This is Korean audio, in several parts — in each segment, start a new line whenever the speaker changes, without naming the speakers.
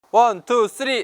원, 투, 쓰리.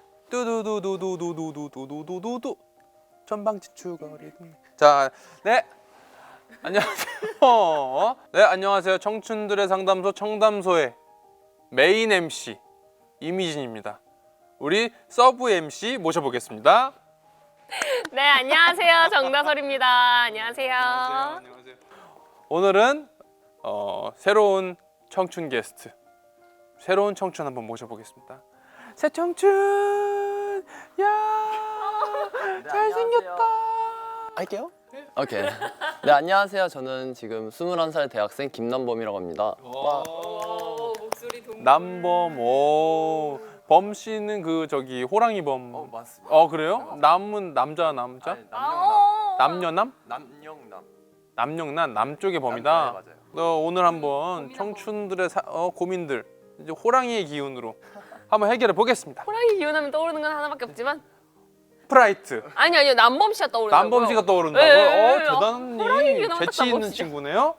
뚜두두두두두두두두두두두. 전방지축거리. 자, 네. 안녕하세요. 네, 안녕하세요. 청춘들의 상담소 청담소의 메인 MC 이미진입니다. 우리 서브 MC 모셔보겠습니다.
네, 안녕하세요. 정다설입니다. 안녕하세요.
안녕하세요. 오늘은 새로운 청춘 게스트, 새로운 청춘 한번 모셔보겠습니다. 새 청춘, 야, 잘생겼다.
할게요? 오케이. 네, 안녕하세요. 저는 지금 21살 대학생 김남범이라고 합니다.
목소리 동.
남범, 오, 범 씨는 그 저기 호랑이 범.
맞습니다.
그래요? 남은 남자? 남녀남? 남영남 남쪽의 범이다.
맞아요.
오늘 한번 청춘들의 고민들 이제 호랑이의 기운으로 한번 해결해 보겠습니다.
호랑이 기운하면 떠오르는 건 하나밖에 없지만
프라이트.
아니요 남범 씨가 떠오르는
남범 씨가 떠오른다고요?
네, 네.
대단히
호랑이 기운하면 딱
재치 있는
남범 씨죠.
친구네요.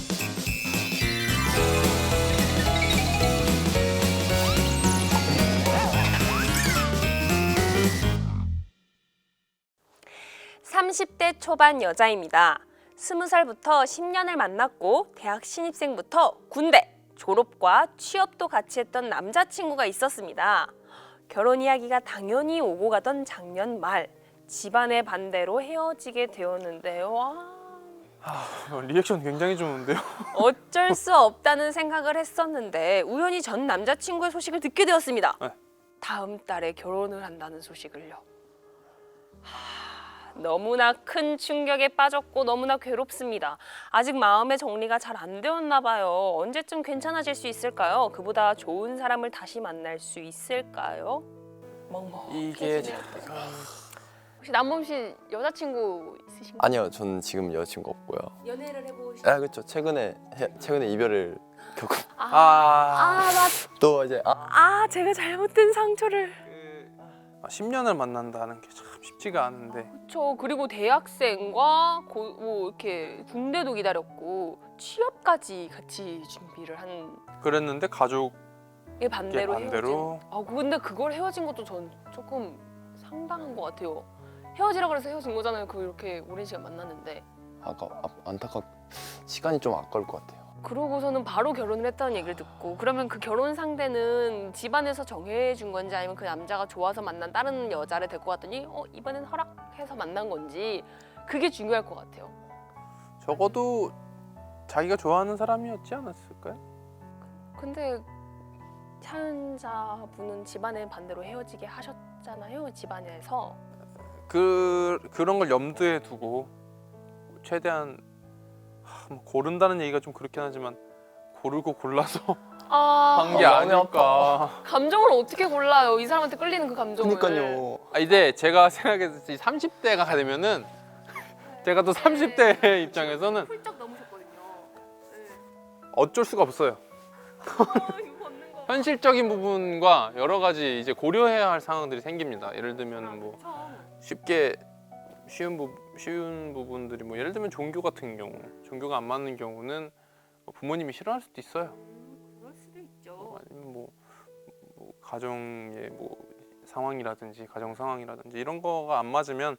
(30대) 초반 여자입니다. 20살부터 10년을 만났고 대학 신입생부터 군대, 졸업과 취업도 같이 했던 남자친구가 있었습니다. 결혼 이야기가 당연히 오고 가던 작년 말 집안의 반대로 헤어지게 되었는데요.
리액션 굉장히 좋은데요.
어쩔 수 없다는 생각을 했었는데 우연히 전 남자친구의 소식을 듣게 되었습니다.
네.
다음 달에 결혼을 한다는 소식을요. 너무나 큰 충격에 빠졌고 너무나 괴롭습니다. 아직 마음의 정리가 잘 안 되었나 봐요. 언제쯤 괜찮아질 수 있을까요? 그보다 좋은 사람을 다시 만날 수 있을까요?
이게
혹시 남범 씨 여자친구 있으신가요?
아니요, 저는 지금 여자친구 없고요.
연애를 해보신?
아, 그렇죠. 최근에 이별을 겪고 또 이제
제가 잘못된 상처를.
10년을 만난다는 게 참 쉽지가 않은데
그렇죠. 그리고 대학생과 뭐 이렇게 군대도 기다렸고 취업까지 같이 준비를 한
그랬는데 가족의
반대로
반대로
헤어진. 근데 그걸 헤어진 것도 전 조금 상당한 것 같아요. 헤어지라 그래서 헤어진 거잖아요. 그 이렇게 오랜 시간 만났는데.
시간이 좀 아까울 것 같아요.
그러고서는 바로 결혼을 했다는 얘기를 듣고 그러면 그 결혼 상대는 집안에서 정해준 건지 아니면 그 남자가 좋아서 만난 다른 여자를 데리고 왔더니 이번엔 허락해서 만난 건지 그게 중요할 것 같아요.
적어도 자기가 좋아하는 사람이었지 않았을까요?
근데 사연자분은 집안의 반대로 헤어지게 하셨잖아요. 집안에서.
그런 걸 염두에 두고 최대한 뭐 고른다는 얘기가 좀 그렇긴 하지만 고르고 골라서 한 게
마음이
아닐까.
감정을 어떻게 골라요? 이 사람한테 끌리는 그 감정을.
그러니까요.
이제 제가 생각했을 때 30대가 되면은 제가 또 30대 입장에서는
훌쩍 넘으셨거든요.
어쩔 수가 없어요.
이거 걷는 거.
현실적인 부분과 여러 가지 이제 고려해야 할 상황들이 생깁니다. 예를 들면 뭐 쉽게 쉬운 부분들이 뭐 예를 들면 종교 같은 경우, 종교가 안 맞는 경우는 부모님이 싫어할 수도 있어요.
그럴 수도 있죠.
아니면 뭐 가정의 뭐 상황이라든지 가정 상황이라든지 이런 거가 안 맞으면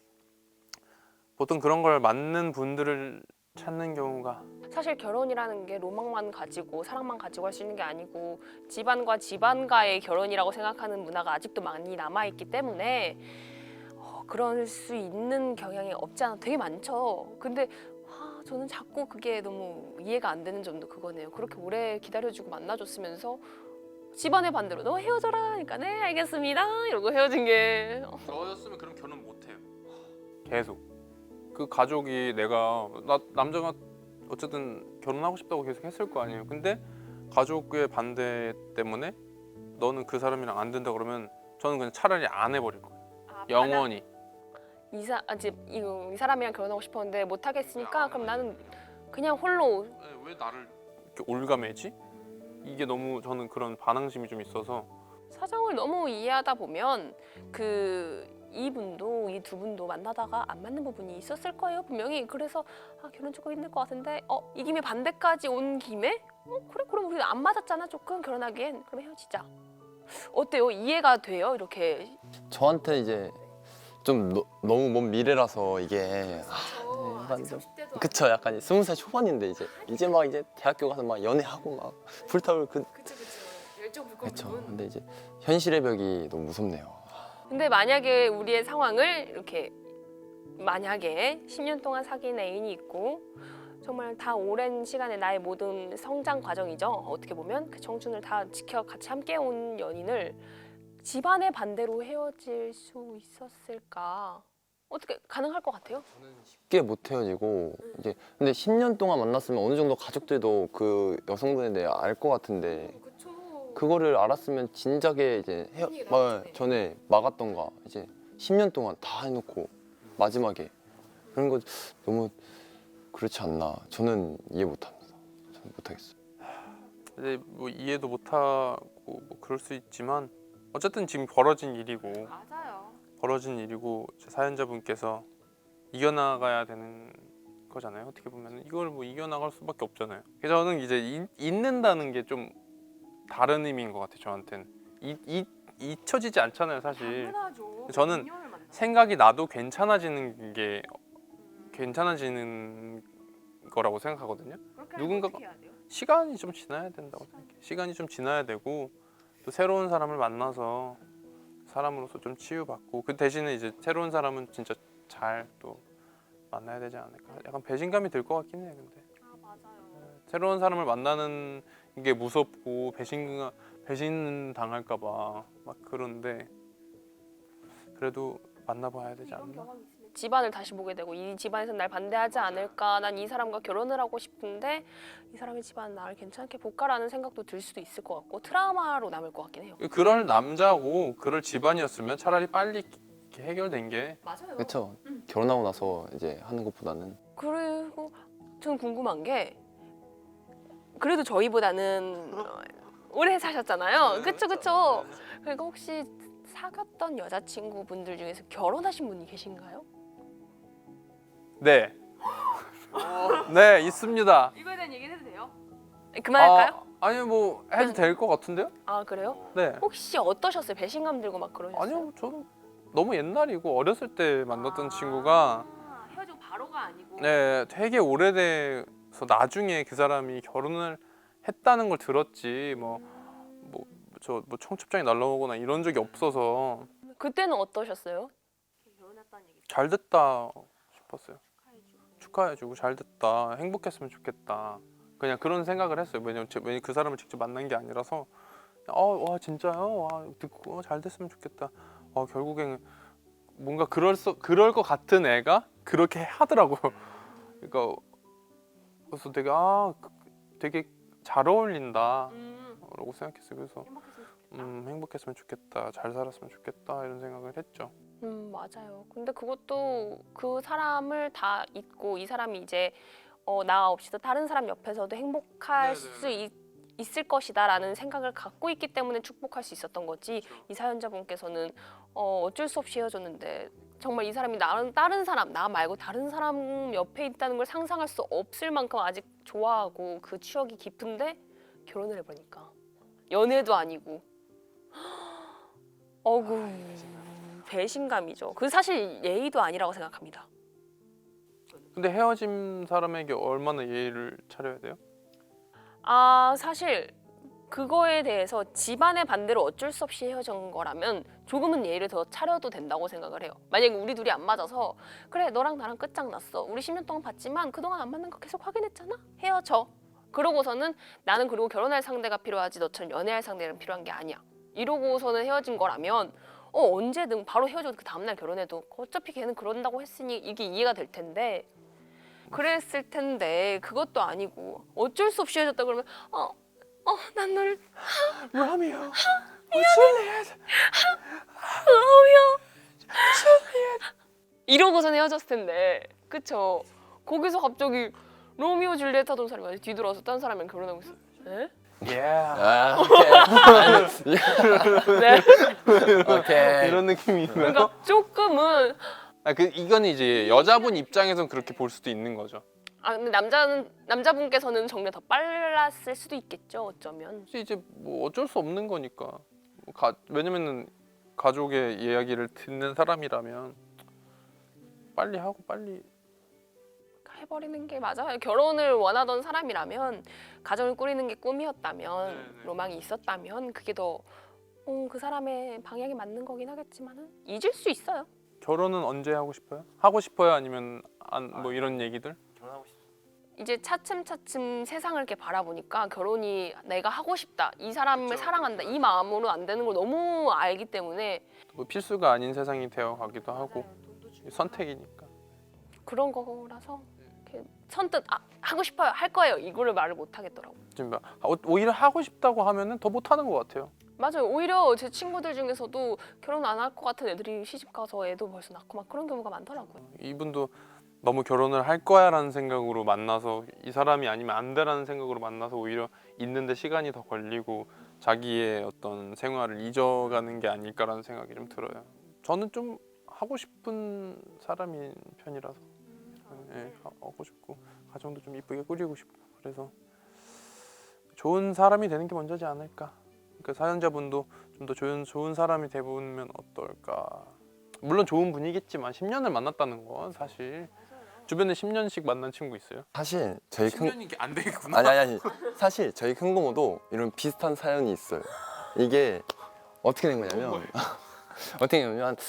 보통 그런 걸 맞는 분들을 찾는 경우가
사실 결혼이라는 게 로망만 가지고 사랑만 가지고 할 수 있는 게 아니고 집안과 집안과의 결혼이라고 생각하는 문화가 아직도 많이 남아있기 때문에 그럴 수 있는 경향이 없지 않아 되게 많죠. 근데 저는 자꾸 그게 너무 이해가 안 되는 점도 그거네요. 그렇게 오래 기다려주고 만나줬으면서 집안의 반대로 너 헤어져라 하니까 네 알겠습니다 이러고 헤어진 게
저였으면 그럼 결혼 못 해요. 계속 그 가족이 남자가 어쨌든 결혼하고 싶다고 계속 했을 거 아니에요. 근데 가족의 반대 때문에 너는 그 사람이랑 안 된다 그러면 저는 그냥 차라리 안 해버릴 거예요. 영원히.
이 사람이랑 결혼하고 싶었는데 못 하겠으니까 그럼 나는 그냥 홀로.
왜 나를 이렇게 올가매지? 이게 너무 저는 그런 반항심이 좀 있어서
사정을 너무 이해하다 보면 이 두 분도 만나다가 안 맞는 부분이 있었을 거예요 분명히. 그래서 결혼 조금 힘들 것 같은데 이 김에 반대까지 온 김에 그래 그럼 우리 안 맞았잖아 조금 결혼하기엔 그럼 헤어지자. 어때요? 이해가 돼요? 이렇게
저한테 이제 좀 너무 먼 미래라서 이게 약간 좀 그쵸 약간 20살 초반인데 이제 막 이제 대학교 가서 막 연애하고 막 불타올 그
열정
그쵸. 근데 이제 현실의 벽이 너무 무섭네요.
근데 만약에 우리의 상황을 이렇게 만약에 10년 동안 사귄 애인이 있고 정말 다 오랜 시간에 나의 모든 성장 과정이죠. 어떻게 보면 그 청춘을 다 지켜 같이 함께 온 연인을 집안의 반대로 헤어질 수 있었을까? 어떻게 가능할 것 같아요?
쉽게 못 헤어지고 이제 근데 10년 동안 만났으면 어느 정도 가족들도 그 여성분에 대해 알 것 같은데 그거를 알았으면 진작에 이제 전에 막았던가 이제 10년 동안 다 해놓고 마지막에 그런 거 너무 그렇지 않나 저는 이해 못합니다. 저는 못하겠어요.
이제 뭐 이해도 못하고 뭐 그럴 수 있지만 어쨌든 지금 벌어진 일이고
맞아요.
이제 사연자분께서 이겨나가야 되는 거잖아요. 어떻게 보면 이걸 뭐 이겨나갈 수밖에 없잖아요. 그래서 저는 이제 잊는다는 게 좀 다른 의미인 것 같아요. 저한테는 잊혀지지 않잖아요, 사실.
당연하죠.
저는 생각이 나도 괜찮아지는 거라고 생각하거든요. 누군가가 시간이 좀 지나야 된다고 생각해요. 시간이 좀 지나야 되고 또 새로운 사람을 만나서 사람으로서 좀 치유받고 그 대신에 이제 새로운 사람은 진짜 잘 또 만나야 되지 않을까. 약간 배신감이 들 것 같긴 해요. 근데
맞아요.
새로운 사람을 만나는 게 무섭고 배신 당할까 봐 막 그런데 그래도 만나봐야 되지 않나.
집안을 다시 보게 되고 이 집안에서 날 반대하지 않을까? 난 이 사람과 결혼을 하고 싶은데 이 사람의 집안 나를 괜찮게 볼까라는 생각도 들 수도 있을 것 같고 트라우마로 남을 것 같긴 해요.
그럴 남자고 그럴 집안이었으면 차라리 빨리 이렇게 해결된 게
맞아요.
그렇죠. 결혼하고 나서 이제 하는 것보다는
그리고 저는 궁금한 게 그래도 저희보다는 오래 사셨잖아요. 그쵸. 그러니까 혹시 사귀었던 여자친구분들 중에서 결혼하신 분이 계신가요?
네. 네, 있습니다.
이거에 대한 얘기를 해도 돼요? 그만할까요?
아니요, 뭐 해도 될 것 같은데요?
아 그래요?
네.
혹시 어떠셨어요? 배신감 들고 막 그러셨어요?
아니요, 저는 너무 옛날이고 어렸을 때 만났던 친구가
헤어지고 바로가 아니고
네, 되게 오래돼서 나중에 그 사람이 결혼을 했다는 걸 들었지 뭐 청첩장이 날라오거나 이런 적이 없어서
그때는 어떠셨어요?
잘 됐다 싶었어요. 축하해주고 잘 됐다, 행복했으면 좋겠다. 그냥 그런 생각을 했어요. 왜냐면 그 사람을 직접 만난 게 아니라서 와 진짜요? 와 듣고 잘 됐으면 좋겠다. 결국엔 뭔가 그럴 것 같은 애가 그렇게 하더라고. 그러니까 그래서 되게 잘 어울린다라고 생각했어요. 그래서 행복했으면 좋겠다, 잘 살았으면 좋겠다 이런 생각을 했죠.
맞아요. 근데 그것도 그 사람을 다 잊고 이 사람이 이제 나 없이도 다른 사람 옆에서도 행복할 수 있을 것이다라는 생각을 갖고 있기 때문에 축복할 수 있었던 거지. 이 사연자분께서는 어쩔 수 없이 헤어졌는데 정말 이 사람이 다른 사람, 나 말고 다른 사람 옆에 있다는 걸 상상할 수 없을 만큼 아직 좋아하고 그 추억이 깊은데 결혼을 해보니까 연애도 아니고 어구 배신감이죠. 그 사실 예의도 아니라고 생각합니다.
근데 헤어진 사람에게 얼마나 예의를 차려야 돼요?
사실 그거에 대해서 집안의 반대로 어쩔 수 없이 헤어진 거라면 조금은 예의를 더 차려도 된다고 생각을 해요. 만약에 우리 둘이 안 맞아서 그래 너랑 나랑 끝장났어. 우리 10년 동안 봤지만 그동안 안 맞는 거 계속 확인했잖아. 헤어져. 그러고서는 나는 그리고 결혼할 상대가 필요하지 너처럼 연애할 상대는 필요한 게 아니야. 이러고서는 헤어진 거라면 언제든 바로 헤어져도 그 다음날 결혼해도 어차피 걔는 그런다고 했으니 이게 이해가 될 텐데 그랬을 텐데 그것도 아니고 어쩔 수 없이 헤어졌다 그러면 난 널
라미야
이러고선 헤어졌을 텐데 그쵸? 거기서 갑자기 로미오 줄리엣 하던 사람이 뒤돌아서 딴 사람이랑 결혼하고 있어. 에?
오케이.
네.
오케이.
이런 느낌이 있나요?
그러니까 조금은
이건 이제 여자분 입장에선 그렇게 볼 수도 있는 거죠.
근데 남자분께서는 정리가 더 빨랐을 수도 있겠죠 어쩌면.
혹시 이제 뭐 어쩔 수 없는 거니까 왜냐면은 가족의 이야기를 듣는 사람이라면 빨리 하고 빨리
해버리는 게 맞아요. 결혼을 원하던 사람이라면 가정을 꾸리는 게 꿈이었다면
네네.
로망이 있었다면 그게 더 그 사람의 방향에 맞는 거긴 하겠지만은 잊을 수 있어요.
결혼은 언제 하고 싶어요? 하고 싶어요? 아니면 뭐 이런 얘기들?
결혼하고 싶어.
이제 차츰차츰 세상을 이렇게 바라보니까 결혼이 내가 하고 싶다, 이 사람을
그쵸,
사랑한다,
그쵸.
이 마음으로 안 되는 걸 너무 알기 때문에
뭐 필수가 아닌 세상이 되어 가기도 하고 선택이니까.
그런 거라서 이렇게 선뜻 하고 싶어요, 할 거예요 이거를 말을 못 하겠더라고.
지금 오히려 하고 싶다고 하면은 더 못하는 것 같아요.
맞아요. 오히려 제 친구들 중에서도 결혼 안 할 것 같은 애들이 시집 가서 애도 벌써 낳고 막 그런 경우가 많더라고요.
이분도 너무 결혼을 할 거야라는 생각으로 만나서 이 사람이 아니면 안 돼라는 생각으로 만나서 오히려 있는데 시간이 더 걸리고 자기의 어떤 생활을 잊어가는 게 아닐까라는 생각이 좀 들어요. 저는 좀 하고 싶은 사람인 편이라서 예, 하고 싶고 가정도 좀 이쁘게 꾸리고 싶고 그래서 좋은 사람이 되는 게 먼저지 않을까. 그러니까 사연자분도 좀 더 좋은 사람이 돼보면 어떨까. 물론 좋은 분이겠지만 10년을 만났다는 건 사실 주변에 10년씩 만난 친구 있어요?
사실 저희 큰
10년이 안 되겠구나.
아니 사실 저희 큰 고모도 이런 비슷한 사연이 있어요. 이게 어떻게 된 거냐면 어떻게 되냐면 한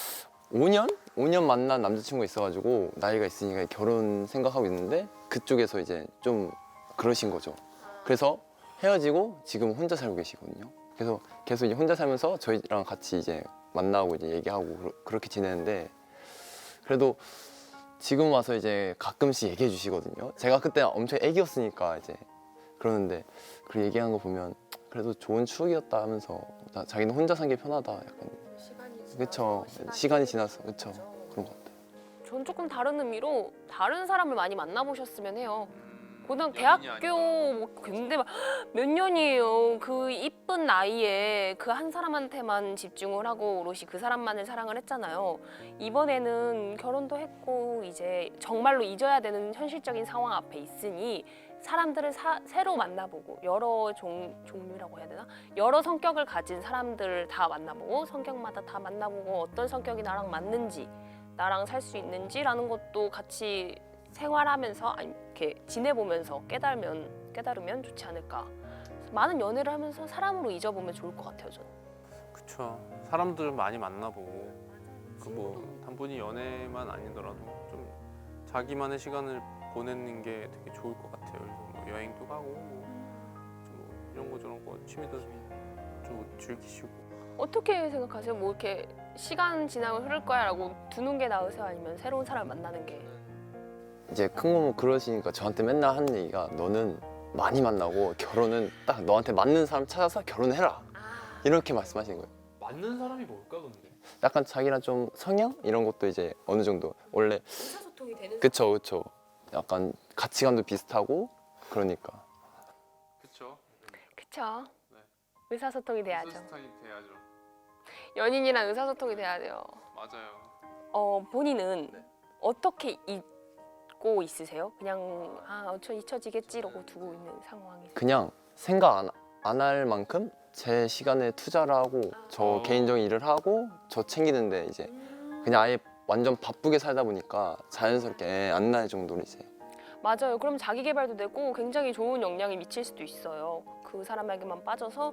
5년 만난 남자친구가 있어가지고 나이가 있으니까 결혼 생각하고 있는데 그쪽에서 이제 좀 그러신 거죠. 그래서 헤어지고 지금 혼자 살고 계시거든요. 그래서 계속 이제 혼자 살면서 저희랑 같이 이제 만나고 이제 얘기하고 그렇게 지내는데 그래도 지금 와서 이제 가끔씩 얘기해 주시거든요. 제가 그때 엄청 애기였으니까 이제 그러는데 그 얘기한 거 보면 그래도 좋은 추억이었다 하면서 자기는 혼자 산 게 편하다 약간. 그쵸. 시간이 지나서 그쵸. 그런 것 같아요.
전 조금 다른 의미로 다른 사람을 많이 만나보셨으면 해요. 고등
연인이
대학교 뭐 근데 막 몇 년이에요. 그 이쁜 나이에 그 한 사람한테만 집중을 하고 오롯이 그 사람만을 사랑을 했잖아요. 이번에는 결혼도 했고 이제 정말로 잊어야 되는 현실적인 상황 앞에 있으니 사람들을 새로 만나보고 여러 종류라고 해야 되나? 여러 성격을 가진 사람들을 다 만나보고 성격마다 다 만나보고 어떤 성격이 나랑 맞는지 나랑 살 수 있는지라는 것도 같이 생활하면서 아니 이렇게 지내보면서 깨달으면 좋지 않을까. 많은 연애를 하면서 사람으로 잊어보면 좋을 것 같아요, 저는.
그쵸. 사람들 많이 만나보고 그 뭐 단순히 연애만 아니더라도 좀 자기만의 시간을 보내는 게 되게 좋을 것 같아요. 그래서 뭐 여행도 가고 뭐 이런 거 저런 거 취미도 좀 즐기시고.
어떻게 생각하세요? 뭐 이렇게 시간 지나면 흐를 거야라고 두는 게 나으세요? 아니면 새로운 사람을 만나는 게?
이제 큰 고모 그러시니까 저한테 맨날 하는 얘기가 너는 많이 만나고 결혼은 딱 너한테 맞는 사람 찾아서 결혼해라 이렇게 말씀하시는 거예요.
맞는 사람이 뭘까 근데?
약간 자기랑 좀 성향 이런 것도 이제 어느 정도 원래
의사소통이 되는
그쵸 약간 가치관도 비슷하고 그러니까
그쵸.
그쵸.
네.
의사소통이 돼야죠.
스타일이 돼야죠.
연인이랑 의사소통이 돼야 돼요.
맞아요.
본인은
네.
어떻게 잊고 있으세요? 그냥 저 잊혀지겠지 이러고 두고 있는 상황이.
그냥 생각 안 할 만큼 제 시간에 투자를 하고 저 개인적인 일을 하고 저 챙기는데 이제 그냥 아예 완전 바쁘게 살다 보니까 자연스럽게 안 날 정도로 이제
맞아요. 그럼 자기 개발도 되고 굉장히 좋은 영향이 미칠 수도 있어요. 그 사람에게만 빠져서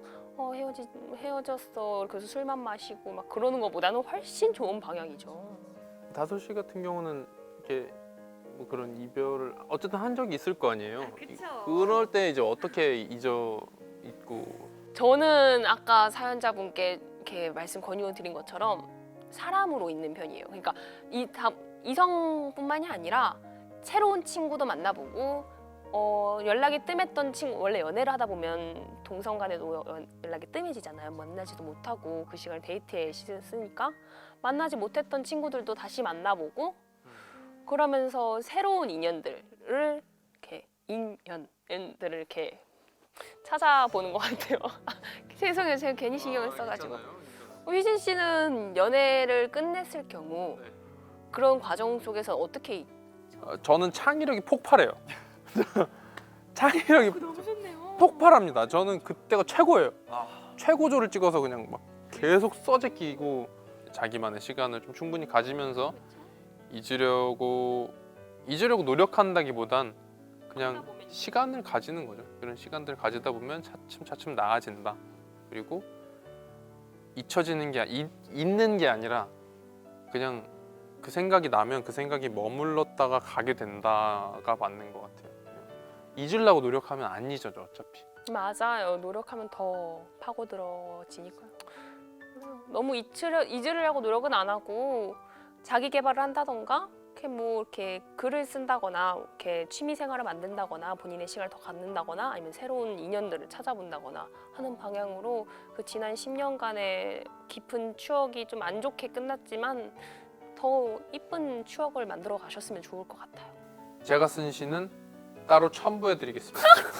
헤어졌어. 그래서 술만 마시고 막 그러는 것보다는 훨씬 좋은 방향이죠.
다솔 씨 같은 경우는 이렇게 뭐 그런 이별을 어쨌든 한 적이 있을 거 아니에요.
그쵸.
그럴 때 이제 어떻게 잊고
저는 아까 사연자분께 이렇게 말씀 권유 드린 것처럼 사람으로 있는 편이에요. 그러니까 이성뿐만이 아니라 새로운 친구도 만나보고 연락이 뜸했던 친구, 원래 연애를 하다 보면 동성 간에도 연락이 뜸해지잖아요. 만나지도 못하고 그 시간을 데이트에 쓰니까 만나지 못했던 친구들도 다시 만나보고 그러면서 새로운 인연들을 이렇게 찾아보는 것 같아요. 죄송해요, 제가 괜히 신경을 써가지고. 휘진 씨는 연애를 끝냈을 경우
네.
그런 과정 속에서 어떻게
저는 창의력이 폭발해요. 창의력이
너무 좋네요.
폭발합니다. 저는 그때가 최고예요. 최고조를 찍어서 그냥 막 계속 써제끼고 자기만의 시간을 좀 충분히 가지면서 잊으려고 노력한다기보단 그냥 시간을 가지는 거죠. 그런 시간들을 가지다 보면 차츰 나아진다. 그리고 잊혀지는 게 있는 게 아니라 그냥 그 생각이 나면 그 생각이 머물렀다가 가게 된다가 맞는 것 같아요. 잊으려고 노력하면 안 잊어져 어차피.
맞아요. 노력하면 더 파고들어지니까요. 너무 잊으려고 노력은 안 하고 자기 개발을 한다던가 이렇게 글을 쓴다거나 이렇게 취미 생활을 만든다거나 본인의 시간을 더 갖는다거나 아니면 새로운 인연들을 찾아본다거나 하는 방향으로 그 지난 10년간의 깊은 추억이 좀 안 좋게 끝났지만 더 이쁜 추억을 만들어 가셨으면 좋을 것 같아요.
제가 쓴 시는 따로 첨부해드리겠습니다.